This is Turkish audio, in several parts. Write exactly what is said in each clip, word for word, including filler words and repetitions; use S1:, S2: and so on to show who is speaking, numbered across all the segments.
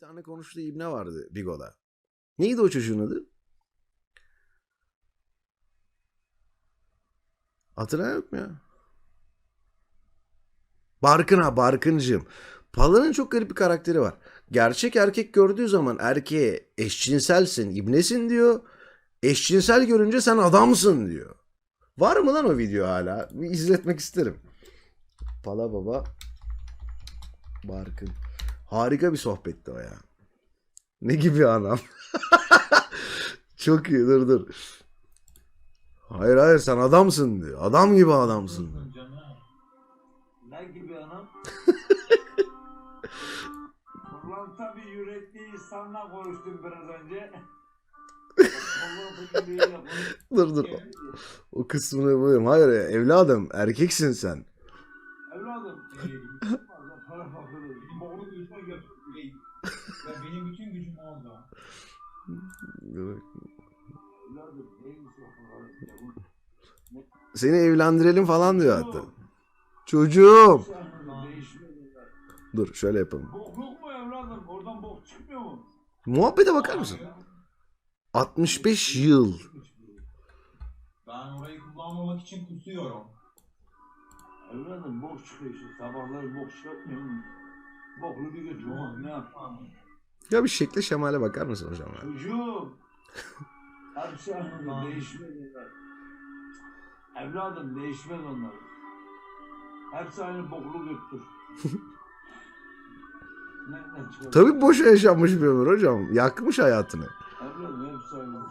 S1: tane konuştuğu ibne vardı Bigo'da. Neydi o çocuğun adı? Hatırlayan yok mu ya? Barkın ha Barkıncığım. Pala'nın çok garip bir karakteri var. Gerçek erkek gördüğü zaman erkeğe eşcinselsin, ibnesin diyor. Eşcinsel görünce sen adamsın diyor. Var mı lan o video hala? Bir izletmek isterim. Pala Baba Barkın. Harika bir sohbetti o ya. Ne gibi anam? Çok iyi, dur dur. Hayır hayır sen adamsın diyor. Adam gibi adamsın diyor.
S2: Ne gibi anam? Kurlanta bir yürekli insanla konuştum biraz önce.
S1: Dur dur. O kısmını bulayım. Hayır evladım erkeksin sen.
S2: Evladım. Para fakiri. Boğulu yüzüne götürdü.
S3: Ya benim bütün gücüm orada.
S2: Evladım neymiş o?
S1: Seni evlendirelim falan diyor hatta. Çocuğum. Dur şöyle yapalım.
S2: Bokluk mu evladım? Oradan bok çıkmıyor mu?
S1: Muhabbete bakar mısın? altmış beş yıl.
S3: Ben orayı kullanmamak için kusuyorum.
S2: Evladım bok çıkıyor işte. Sabahları bok çıkartmıyor mu? Boklu bir götür. Ne yapalım?
S1: Ya bir şekle şemale bakar mısın hocam? Ya?
S2: Çocuğum. Hepsi anladım. Değişmez onlar. Evladım değişmez onlar. Hepsi aynı boklu götür. Nereden çıkar?
S1: Tabii boşa yaşanmış bir ömür hocam. Yakmış hayatını.
S2: Evladım hepsi aynı.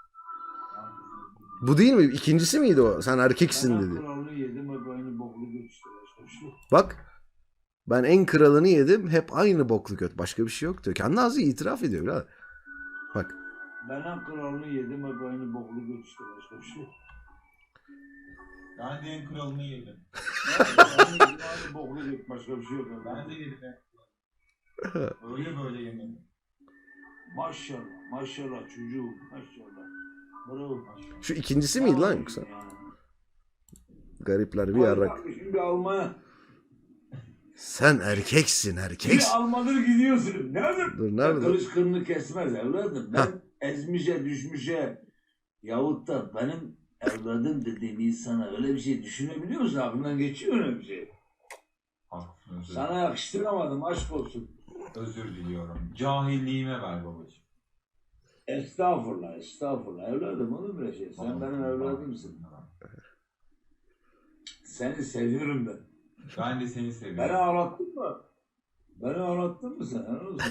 S1: Bu değil mi? İkincisi miydi o? Sen erkeksin
S2: Ben
S1: dedi.
S2: kralını yedim hep aynı boklu götür. Başka bir şey yok.
S1: Bak. Ben en kralını yedim. Hep aynı boklu göt. Başka bir şey yok diyor. Kendi ağzı itiraf ediyor. Birader. Bak.
S2: Ben en kralını yedim hep aynı boklu götür. Başka bir şey yok.
S3: Ben de en kralını yedim.
S2: Aynı boklu götür. Başka bir şey yok.
S3: Ben de yedim. Öyle böyle yemedim.
S2: Maşallah. Maşallah çocuğum. Maşallah. Bravo.
S1: Şu ikincisi miydi lan yoksa? Garipler bir yarrak.
S2: Şimdi Almanya.
S1: Sen erkeksin
S2: Bir
S1: erkeksin.
S2: Almadır gidiyorsun. Nerede?
S1: Dur nerede?
S2: Kılıç kırını kesmez evladım. Ben ezmişe düşmüşe yahut da benim evladım dediğim insana öyle bir şey düşünebiliyor musun? Aklından geçiyor öyle bir şey.
S3: Haklısın.
S2: Sana yakıştıramadım aşk olsun.
S3: Özür diliyorum. Cahilliğime ver babacığım.
S2: Estağfurullah estağfurullah evladım olur mu şey? Sen benim evladımsın. Seni seviyorum ben.
S3: Ben de seni seviyorum.
S2: Beni ağlattın mı? Beni ağlattın mı sen? Helal olsun.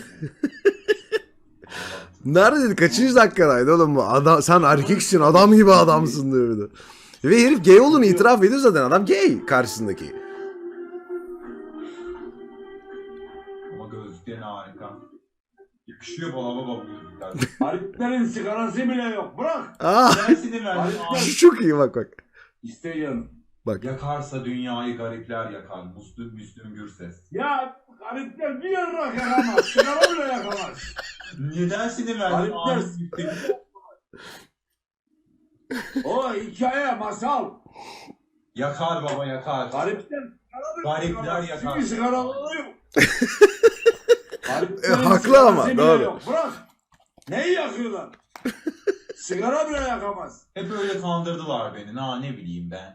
S1: Neredeydi? Kaçıncı dakikadaydı oğlum bu? Adam, sen erkeksin adam gibi adamsın diyor bir de. Ve herif gay olduğunu itiraf ediyor zaten. Adam gay karşısındaki.
S3: Ama gözlüklerin harika. Yakışıyor bana baba bu gözlükler.
S2: Hariplerin sigarası bile yok. Bırak.
S1: Aa,
S3: Dersini ver.
S2: Harikler.
S1: çok iyi bak bak.
S2: İste canım.
S1: Bak.
S3: Yakarsa dünyayı garipler yakar. Müslüm Müslüm Gürses.
S2: Ya garipler bir yarrak yakamaz. Sigara bile yakamaz.
S3: Niye dersini ver?
S2: Garipler. O hikaye, masal.
S3: Yakar baba yakar.
S2: Garipler.
S3: Garipler yakar.
S2: Çünkü sigaraları yok.
S1: E, haklı ama,
S2: bile
S1: doğru.
S2: yok. Bırak. Neyi yakıyorlar? Sigara bile yakamaz.
S3: Hep öyle kandırdılar beni. Na ne bileyim ben.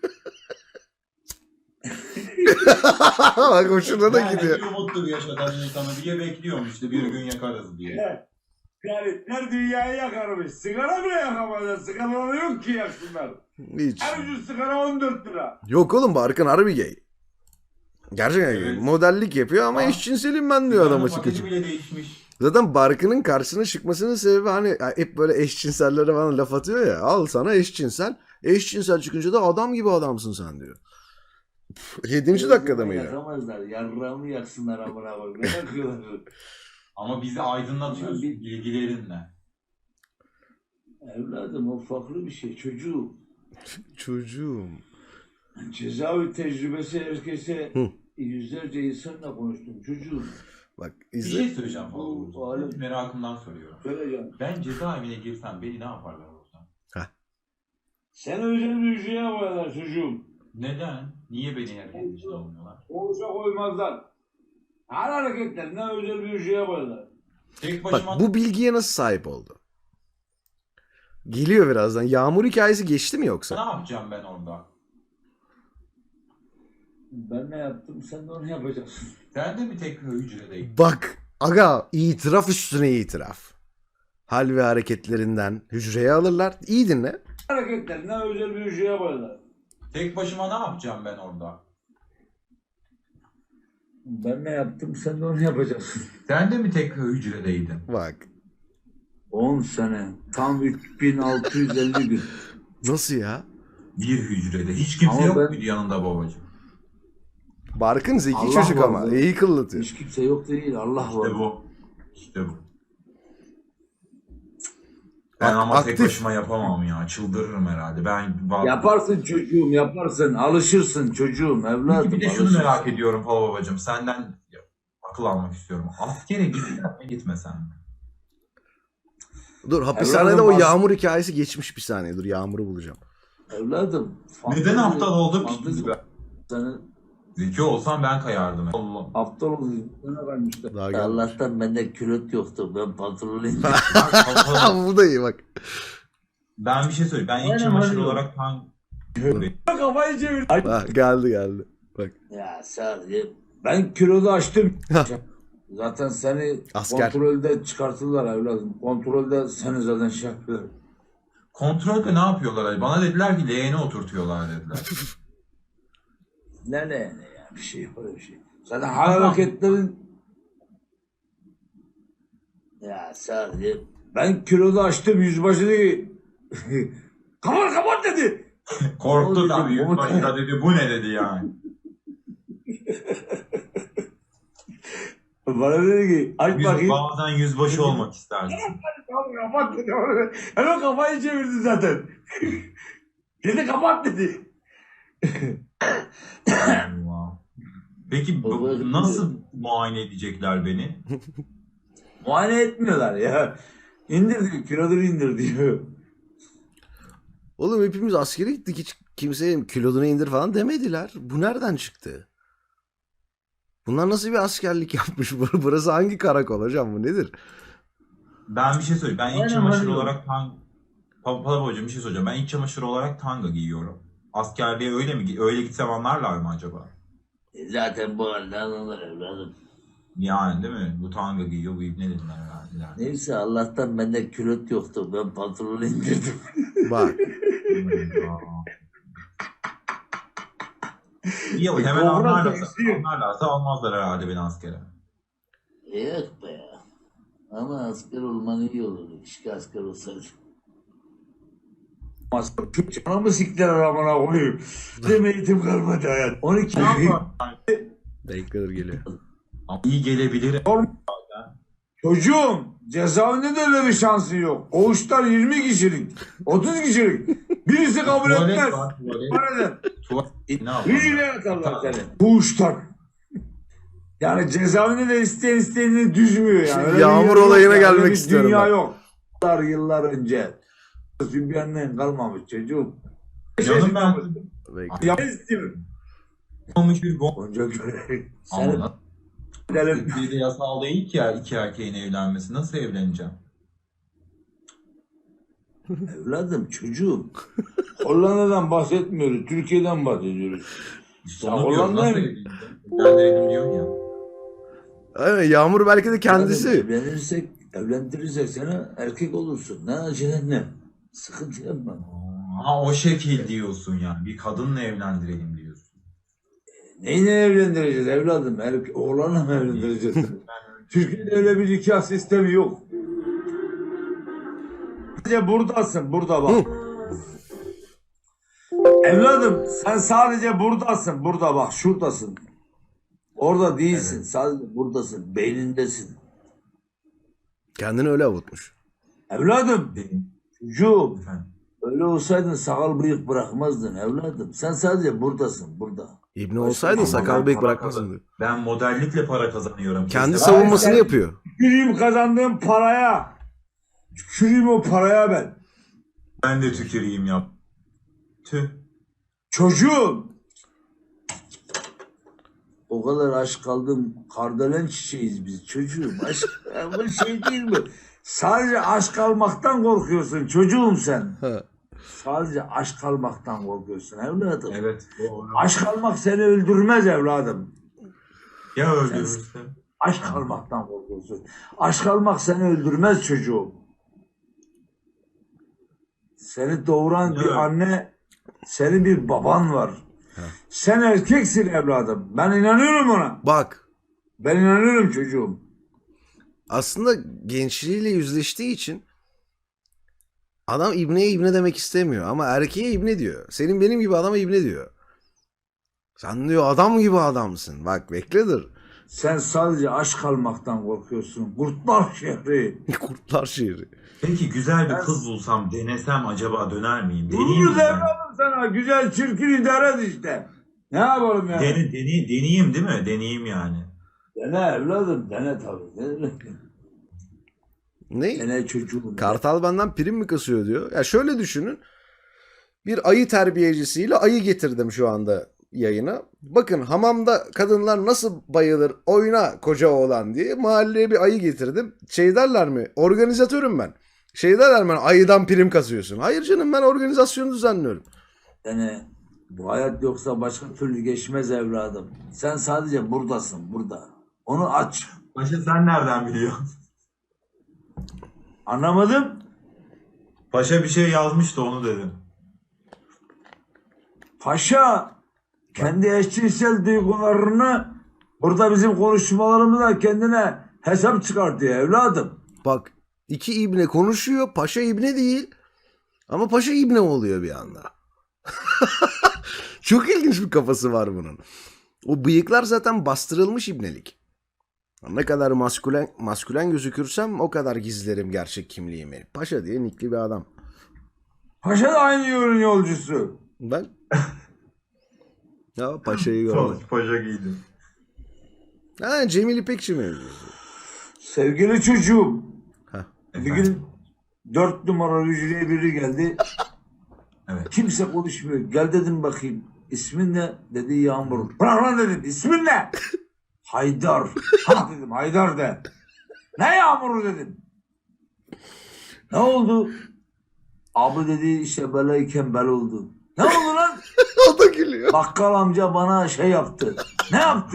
S1: Bak hoşuna da
S3: Yani
S1: gidiyor.
S3: bir umuttur yaşatan insanı diye bekliyorum işte bir gün yakarız diye.
S2: Garipler dünyayı yakarmış. Sigara bile yakamazlar. Sigaraları yok ki yaksınlar.
S1: Hiç.
S2: En ucuz sigara on dört lira.
S1: Yok oğlum Barkın harbi gay. Gerçekten gay.
S3: Evet.
S1: Modellik yapıyor ama
S3: Ha.
S1: eşcinselim ben diyor adam
S3: Sigaranın
S1: açık
S3: paketi
S1: açık.
S3: bile değişmiş.
S1: Zaten Barkın'ın karşısına çıkmasının sebebi hani hep böyle eşcinsellere falan laf atıyor ya. Al sana eşcinsel. Eşcinsel çıkınca da adam gibi adamsın sen diyor. Püf, Yedinci dakikada mıydı?
S2: Yakamazlar. Yarrağımı yaksınlar amına koyayım. Ne yakıyorlar?
S3: Ama bizi aydınlatıyorsun
S2: Bir-
S3: bilgilerinle.
S2: Evladım o farklı bir şey. Çocuğum.
S1: Çocuğum.
S2: Cezaevi tecrübesi herkese
S1: Hı.
S2: yüzlerce insanla konuştum. Çocuğum.
S1: Bak
S3: Bir
S1: izle.
S3: şey söyleyeceğim
S2: Bu
S3: falan.
S2: alem-
S3: Merakımdan soruyorum.
S2: Söyleyeceğim.
S3: Ben cezaevine girsem beni ne yaparlar orada?
S2: Sen özel bir hücreye koyarlar çocuğum.
S3: Neden? Niye beni herkesin içine almıyorlar?
S2: Oluşa koymazlar. Her hareketlerine özel bir hücreye koyarlar.
S3: Tek
S1: Bak
S3: başıma
S1: bu bilgiye nasıl sahip oldu? Geliyor birazdan. Yağmur hikayesi geçti mi
S3: ne
S1: yoksa?
S3: yapacağım ben orada?
S2: Ben ne yaptım sen de onu yapacaksın.
S3: Sen de mi tek hücredeydin?
S1: Bak aga, itiraf üstüne itiraf. Hal ve hareketlerinden hücreye alırlar. İyi dinle.
S2: Hareketlerinden özel bir şey yaparlar.
S3: Tek başıma ne yapacağım ben orada?
S2: Ben ne yaptım sen de onu yapacaksın.
S3: Sen de mi tek hücredeydin?
S1: Bak.
S2: on sene. Tam üç bin altı yüz elli gün.
S1: Nasıl ya?
S3: Bir hücrede. Hiç kimse
S2: Ama
S3: yok
S2: ben-
S3: muydu yanında babacığım?
S1: Barkın zeki
S2: Allah
S1: çocuk
S2: var
S1: ama.
S2: be.
S1: İyi kıllatıyor.
S2: Hiç kimse yok değil. Allah var.
S3: İşte bu. İşte bu. Ben
S1: Ak-
S3: ama
S1: aktif.
S3: tek başıma yapamam ya. Çıldırırım herhalde. Ben
S2: Yaparsın çocuğum yaparsın. Alışırsın çocuğum evladım.
S3: Peki bir de şunu
S2: alışırsın.
S3: merak ediyorum Pala babacığım. Senden akıl almak istiyorum. Askere gitsen mi gitmesen mi?
S1: Dur, hapishanede
S2: Evladım
S1: o
S2: bak-
S1: yağmur hikayesi geçmiş bir saniye. Dur, Yağmur'u bulacağım.
S2: Evladım.
S3: Neden
S2: fantezi-
S3: aptal oldum ki?
S2: fantezi-
S3: Ben?
S2: Seni
S3: Zeki olsam ben kayardım. Allah.
S2: aptal oldun. Sana vermişler.
S1: Daha gelmiş.
S2: Allah'tan bende külot yoktu. Ben pantolonuyum.
S3: Bak, Pala-
S1: Bu da iyi bak.
S3: ben bir şey söyleyeyim. Ben
S2: Aynen,
S3: iç çamaşır
S2: aynen.
S3: olarak hangi...
S2: Kafayı çevir.
S1: Ha, geldi geldi. Bak.
S2: Ya sadece ben kilodu açtım. Zaten seni
S1: Asker.
S2: kontrolde çıkartırlar evladım. Kontrolde seni zaten şey yapıyorlar.
S3: Kontrolde ne yapıyorlar? Bana dediler ki leğene oturtuyorlar dediler.
S2: Ne ne ne ya bir şey öyle bir şey. Zaten hareketlerin ya sadece ben kilodu açtım yüzbaşı dedi. Kapat kapat dedi.
S3: Korktu
S2: O
S3: tabii.
S2: dedi, o
S3: Yüzbaşı da dedi bu ne dedi yani.
S2: Bana dedi ki aç
S3: Yüz,
S2: bakayım.
S3: bazen yüzbaşı olmak istersin.
S2: Kapat kapat dedi. Hemen kafayı çevirdi zaten. Dedi kapat dedi.
S3: Allah. Peki bu-
S2: Baba-
S3: nasıl muayene edecekler beni?
S2: Muayene etmiyorlar ya. İndir diyor, kiloları indir diyor.
S1: Oğlum hepimiz askere gittik. Hiç kimseye kilodunu indir falan demediler. Bu nereden çıktı? Bunlar nasıl bir askerlik yapmış? Bur- Burası hangi karakol hocam, bu nedir?
S3: Ben bir şey söyleyeyim. Ben iç
S2: Aynen,
S3: çamaşır
S2: aynen.
S3: olarak tang... Pa- Pala hocam bir şey söyleyeceğim. Ben iç çamaşır olarak tanga giyiyorum. Askerliğe öyle mi? gi- Öyle gitsem anlarlar mı acaba?
S2: E Zaten bu halde anılır evladım.
S3: Yani değil mi? Bu tanga giyiyor, bu ibne dediler herhalde.
S2: Neyse Allah'tan bende külot yoktu. Ben pantolonu indirdim.
S1: Bak.
S3: İyi ama hemen
S2: Doğru
S3: anlarlarsa,
S2: benziyor.
S3: anlarlarsa almazlar herhalde beni askere.
S2: Yok be ya. Ama asker olman iyi olurdu. Keşke asker olsaydı. Asker bana mı siktiler aramana koyayım? Benim eğitim kalmadı hayat. on iki
S3: Ne yapar?
S1: Dakikadır geliyor.
S3: Ama iyi gelebilir.
S2: Çocuğum cezaevinde de öyle bir şansın yok. Koğuşlar yirmi kişilik, otuz kişilik. Birisi kabul
S3: Tuvalet
S2: etmez.
S3: var, tuvalet.
S2: Var eder.
S3: Tuvalet. Ne yapar?
S2: Hücreye atarlar seni. Koğuştan. Yani cezaevinde de isteyen isteyenini düzmüyor yani. Öyle bir
S1: Yağmur
S2: yer yok
S1: olayına
S2: yani.
S1: gelmek
S2: Öyle bir
S1: istiyorum
S2: Dünya
S1: ben.
S2: yok. Yıllar yıllar önce. Sübyan'dan kalmamış çocuğum.
S3: Canım ben
S1: Bekle.
S2: Ya istiyorum.
S3: olmuş bir bomba.
S2: Onca göre.
S3: Ama
S2: Sen
S3: nasıl?
S2: gidelim.
S3: Türkiye'de yasal değil ki ya iki erkeğin evlenmesi. Nasıl evleneceğim?
S2: Evladım çocuğum. Hollanda'dan bahsetmiyoruz. Türkiye'den bahsediyoruz.
S3: İşte
S2: Ya
S3: onu diyorum.
S2: Hollanda'ya
S3: Nasıl
S2: mı?
S3: evleneceğim? Evlendirelim diyor ya.
S1: Aynen, Yağmur belki de kendisi.
S2: Evlenirsek, evlendirirsek sana erkek olursun. Ne acelen ne? Sıkıntı yapma.
S3: Ha o şekil diyorsun yani. Bir kadınla evlendirelim diyorsun.
S2: Neyle evlendireceğiz evladım? Erkek, oğlanla mı evlendireceğiz? Türkiye'de öyle bir nikah sistemi yok. Sadece buradasın, burada bak. Evladım sen sadece buradasın, burada bak, şuradasın. Orada değilsin,
S3: Evet.
S2: sadece buradasın, beynindesin.
S1: Kendini öyle avutmuş.
S2: Evladım,
S3: Dedim.
S2: çocuğum,
S3: Efendim.
S2: öyle olsaydın sakal bıyık bırakmazdın evladım. Sen sadece buradasın, burada.
S1: İbni olsaydın
S3: Ama
S1: sakal
S3: ben
S1: bıyık
S3: para
S1: bırakmasın.
S3: kazan- Ben modellikle para kazanıyorum.
S1: Kendi
S3: Kesin.
S1: savunmasını
S2: sen-
S1: yapıyor.
S2: Tüküreyim kazandığım paraya. Tüküreyim o paraya ben.
S3: Ben de tüküreyim yap. Tüh.
S2: Çocuğum. O kadar aşk kaldım. Kardelen çiçeğiz biz çocuğum. Aşk ya bu şey değil mi? Sadece aşk almaktan korkuyorsun çocuğum sen.
S1: Ha.
S2: Sadece aşk almaktan korkuyorsun evladım.
S3: Evet. Doğru.
S2: Aşk almak seni öldürmez evladım.
S3: Ya öldürürse?
S2: Aşk almaktan korkuyorsun. Aşk almak seni öldürmez çocuğum. Seni doğuran
S3: Evet.
S2: bir anne, senin bir baban var. Sen erkeksin evladım. Ben inanıyorum ona.
S1: Bak,
S2: Ben inanıyorum çocuğum.
S1: aslında gençliğiyle yüzleştiği için adam ibneye ibne demek istemiyor ama erkeğe ibne diyor. Senin benim gibi adama ibne diyor. Sen diyor adam gibi adamsın. Bak bekle dur.
S2: Sen sadece aşk almaktan korkuyorsun. Kurtlar şehri.
S1: Kurtlar şehri.
S3: Peki güzel bir
S2: Ben-
S3: kız bulsam, denesem acaba döner miyim? Deneyeyim mi
S2: Buluruz
S3: ben?
S2: evladım sana. Güzel çirkin idare et işte. Ne yapalım yani?
S3: Dene, dene, deneyeyim değil mi? Deneyeyim yani.
S2: Dene evladım. Dene tabii. Dene,
S1: Ne?
S2: dene çocuğum.
S1: Kartal benden prim mi kasıyor diyor. Ya şöyle düşünün. Bir ayı terbiyecisiyle ayı getirdim şu anda yayına. Bakın hamamda kadınlar nasıl bayılır oyna koca oğlan diye mahalleye bir ayı getirdim. Şey derler mi? Organizatörüm ben. Şey derler mi? Ayıdan prim kasıyorsun. Hayır canım, ben organizasyonu düzenliyorum.
S2: Dene. Bu hayat yoksa başka türlü geçmez evladım. Sen sadece buradasın. Burada. Onu aç.
S3: Paşa sen nereden biliyorsun?
S2: Anlamadım.
S3: Paşa bir şey yazmıştı, onu dedim.
S2: Paşa kendi eşcinsel duygularını burada bizim konuşmalarımızda kendine hesap çıkartıyor evladım.
S1: Bak, iki ibne konuşuyor. Paşa ibne değil. Ama paşa ibne oluyor bir anda. Çok ilginç bir kafası var bunun. O bıyıklar zaten bastırılmış ibnelik. Ne kadar maskülen, maskülen gözükürsem o kadar gizlerim gerçek kimliğimi. Paşa diye nikli bir adam.
S2: Paşa da aynı yolun yolcusu.
S1: Ben... ya paşayı gördüm.
S3: Paşa giydim.
S1: Ha, Cemil İpekçi mevzusu.
S2: Sevgili çocuğum.
S1: Heh.
S2: Bir gün dört numara hücreye biri geldi.
S3: Evet.
S2: Kimse konuşmuyor. Gel dedim bakayım. İsmin ne? Dedi Yağmur. Bırak lan dedim. İsmin ne? Haydar. Ha dedim Haydar de. Ne Yağmur'u dedim. Ne oldu? Abi dedi işte belayken bel oldu. Ne oldu lan?
S1: O da gülüyor.
S2: Bakkal amca bana şey yaptı. Ne yaptı?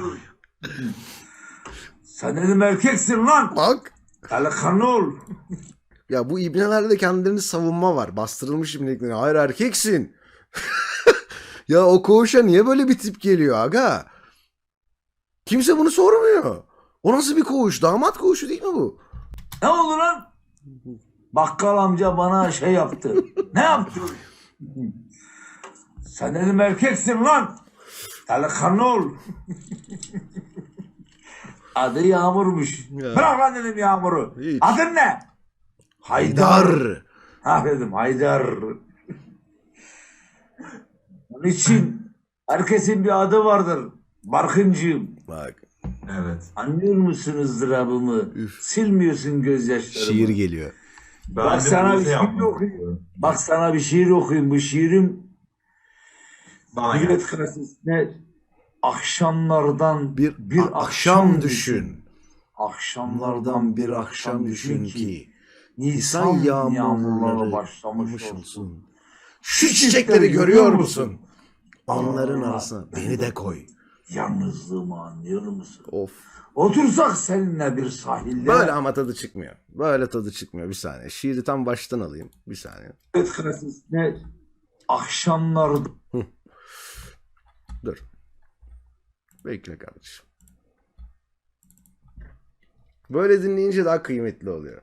S2: Sen dedim erkeksin lan.
S1: Bak.
S2: Delikanlı ol.
S1: Ya bu ibnelerde kendilerini savunma var. Bastırılmış ibnelikleri. Hayır, erkeksin. Ya o koğuşa niye böyle bir tip geliyor aga? Kimse bunu sormuyor. O nasıl bir koğuş? Damat koğuşu değil mi bu?
S2: Ne oldu lan? Bakkal amca bana şey yaptı. Ne yaptı? Sen dedim erkeksin lan. Delikanlı ol. Adı Yağmur'muş.
S1: Ya.
S2: Bırak lan dedim Yağmur'u.
S1: Hiç.
S2: Adın ne? Haydar.
S1: Haydar.
S2: Ha dedim Haydar. Onun için herkesin bir adı vardır. Barkıncığım.
S1: Bak,
S3: Evet.
S2: Anlıyor musun ızdırabımı?
S1: Üf.
S2: Silmiyorsun gözyaşlarımı.
S1: şiir geliyor.
S3: Ben
S2: Bak
S3: de
S2: sana
S3: bunu
S2: bir
S3: şey
S2: şiir
S3: yapmak
S2: okuyayım.
S3: istiyorum.
S2: Bak sana bir şiir okuyayım. Bu şiirim
S3: Bana gel.
S2: Millet Klasesi'ne akşamlardan
S1: Bir,
S2: bir
S1: a- akşam düşün.
S2: Akşamlardan bir akşam düşün ki
S1: Nisan
S2: Nisan
S1: yağmurları
S2: yağmurları başlamış
S1: başlamış
S2: olsun.
S1: olsun. Şu çiçekleri görüyor musun? Onların arasına beni de koy.
S2: Yalnızlığımı anlıyor musun?
S1: Of.
S2: Otursak seninle bir sahilde
S1: Böyle ama tadı çıkmıyor. Böyle tadı çıkmıyor. Bir saniye. Şiiri tam baştan alayım. Bir saniye.
S2: Millet Klasesi'ne akşamlar
S1: Dur. Bekle kardeşim. Böyle dinleyince daha kıymetli oluyor.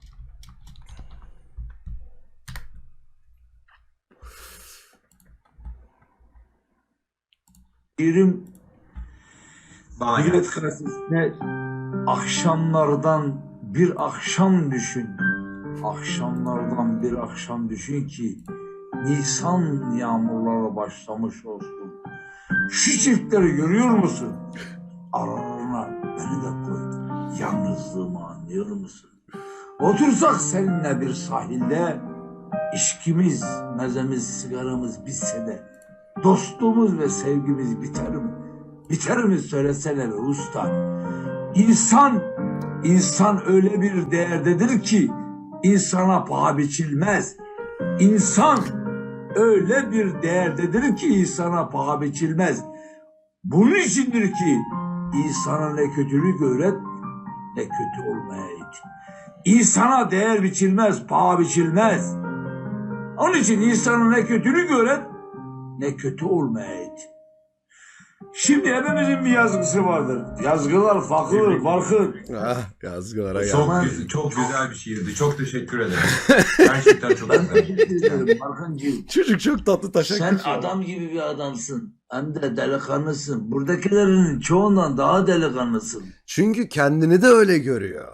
S2: şiirim
S3: Bana gel.
S2: Millet Klasesi'ne akşamlardan bir akşam düşün. Akşamlardan bir akşam düşün ki Nisan yağmurları başlamış olsun. Şu çiftleri görüyor musun? Aralarına beni de koy. Yalnızlığımı anlıyor musun? Otursak seninle bir sahilde içkimiz, mezemiz, sigaramız bitse de dostluğumuz ve sevgimiz biter mi? Biter mi söylesene be usta. İnsan, insan öyle bir değerdedir ki insana paha biçilmez. İnsan öyle bir değerdedir ki insana paha biçilmez. Bunun içindir ki insana ne kötülük öğret ne kötü olmaya it. İnsana değer biçilmez, paha biçilmez. Onun için insana ne kötülük öğret ne kötü olmaya it. Şimdi hepimizin bir yazgısı vardır. Yazgılar farklıdır, farklı.
S1: Ah, yazgılara gel.
S3: Çok, güzel, çok güzel bir şiirdi. Çok teşekkür ederim. Gerçekten çok
S2: Ben
S3: güzel.
S2: teşekkür ederim Barkıncığım.
S1: Çocuk çok tatlı taşak
S2: Sen
S1: geçiyor.
S2: adam gibi bir adamsın. Hem de delikanlısın. Buradakilerin çoğundan daha delikanlısın.
S1: Çünkü kendini de öyle görüyor.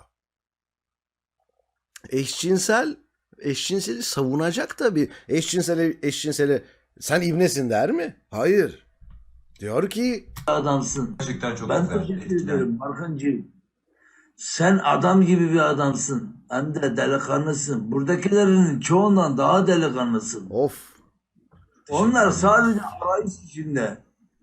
S1: Eşcinsel, eşcinseli savunacak tabii. Eşcinseli, eşcinseli sen ibnesin der mi? Hayır. Diyor ki
S2: Adamsın.
S3: Gerçekten çok
S2: Ben
S3: güzel.
S2: teşekkür
S3: Etkilen-
S2: ederim Barkıncığım. Sen adam gibi bir adamsın. Hem de delikanlısın. Buradakilerin çoğundan daha delikanlısın.
S1: of.
S2: Onlar sadece arayış içinde.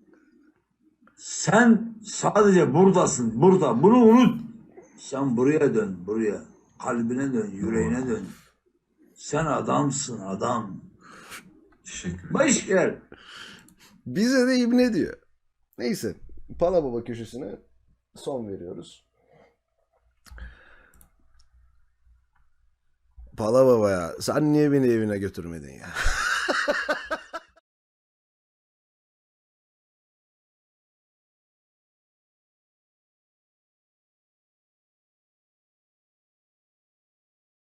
S2: Sen sadece buradasın. Burada. Bunu unut. Sen buraya dön. Buraya. Kalbine dön. Yüreğine dön. Sen adamsın adam.
S3: Teşekkür ederim.
S2: Baş ver.
S1: Bize de ibne diyor. Neyse. Pala Baba köşesine son veriyoruz. Pala Baba ya sen niye beni evine götürmedin ya?